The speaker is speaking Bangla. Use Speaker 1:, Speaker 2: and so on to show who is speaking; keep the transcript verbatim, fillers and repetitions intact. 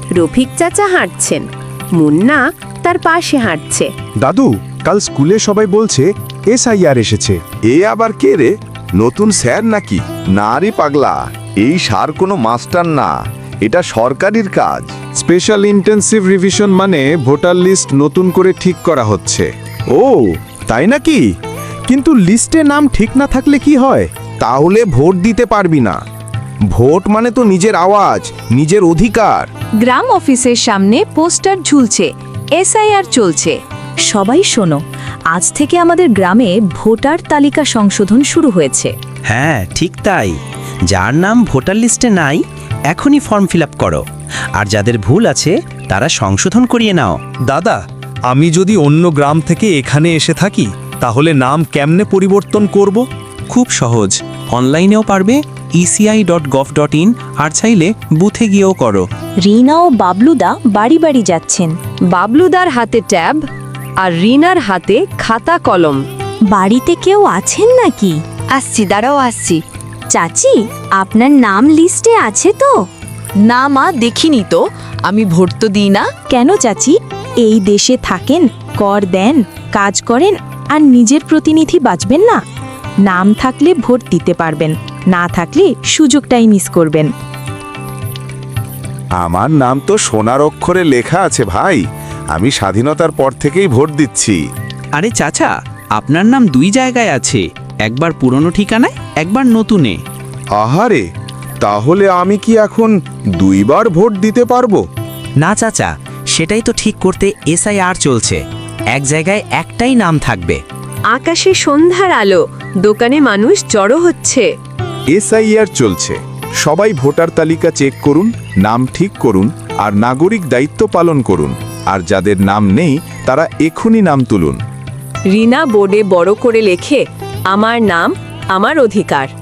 Speaker 1: রফিক চাচা হাঁটছেন, মুন্না তার পাশে হাঁটছে।
Speaker 2: দাদু, কাল স্কুলে সবাই বলছে এসআইআর এসেছে।
Speaker 3: এ আবার কে রে? নতুন স্যার নাকি? না রে পাগলা, এই সার কোনো মাস্টার না, এটা সরকারির কাজ।
Speaker 2: স্পেশাল ইন্টেন্সিভ রিভিশন মানে ভোটার লিস্ট নতুন করে ঠিক করা হচ্ছে। ও তাই নাকি? কিন্তু লিস্টে নাম ঠিক না থাকলে কি হয়?
Speaker 3: তাহলে ভোট দিতে পারবি না। ভোট মানে তো নিজের আওয়াজ, নিজের অধিকার।
Speaker 1: গ্রাম অফিসের সামনে পোস্টার ঝুলছে, এসআইআর চলছে।
Speaker 4: সবাই শোনো, আজ থেকে আমাদের গ্রামে ভোটার তালিকা সংশোধন শুরু হয়েছে।
Speaker 5: হ্যাঁ ঠিক তাই, যার নাম ভোটার লিস্টে নাই এখনই ফর্ম ফিল আপ করো, আর যাদের ভুল আছে তারা সংশোধন করিয়ে নাও।
Speaker 6: দাদা, আমি যদি অন্য গ্রাম থেকে এখানে এসে থাকি তাহলে নাম কেমনে পরিবর্তন করব?
Speaker 5: খুব সহজ, অনলাইনেও পারবে, ECI dot gov dot in, আর চাইলে বুথে গিয়েও করো।
Speaker 4: রিনা ও বাবলুদা বাড়ি বাড়ি যাচ্ছেন।
Speaker 1: বাবলুদার হাতে ট্যাব আর রিনার হাতে খাতা কলম।
Speaker 4: বাড়িতে কেউ আছেন নাকি?
Speaker 1: আসছি, দাঁড়াও আসছি।
Speaker 4: চাচি, আপনার নাম লিস্টে আছে তো?
Speaker 7: না মা, দেখিনি তো, আমি ভোট তো দিই না।
Speaker 4: কেন চাচি? এই দেশে থাকেন, কর দেন, কাজ করেন, আর নিজের প্রতিনিধি বাঁচবেন না? নাম থাকলে ভোট দিতে পারবেন, না থাকলে সুযোগটাই মিস করবেন।
Speaker 3: আমার নাম তো সোনার অক্ষরে লেখা আছে ভাই, আমি স্বাধীনতার পর থেকেই ভোট দিচ্ছি।
Speaker 5: আরে চাচা, আপনার নাম দুই জায়গায় আছে, একবার পুরনো ঠিকানায়, একবার নতুনে।
Speaker 3: আহারে, তাহলে আমি কি এখন দুইবার ভোট দিতে পারবো?
Speaker 5: না চাচা, সেটাই তো ঠিক করতে এসআইআর চলছে, এক জায়গায় একটাই নাম থাকবে।
Speaker 1: আকাশে সন্ধ্যার আলো, দোকানে মানুষ জড়ো হচ্ছে।
Speaker 2: এসআইআর চলছে, সবাই ভোটার তালিকা চেক করুন, নাম ঠিক করুন, আর নাগরিক দায়িত্ব পালন করুন। আর যাদের নাম নেই তারা এখনই নাম তুলুন।
Speaker 1: রিনা বোর্ডে বড় করে লেখে, আমার নাম, আমার অধিকার।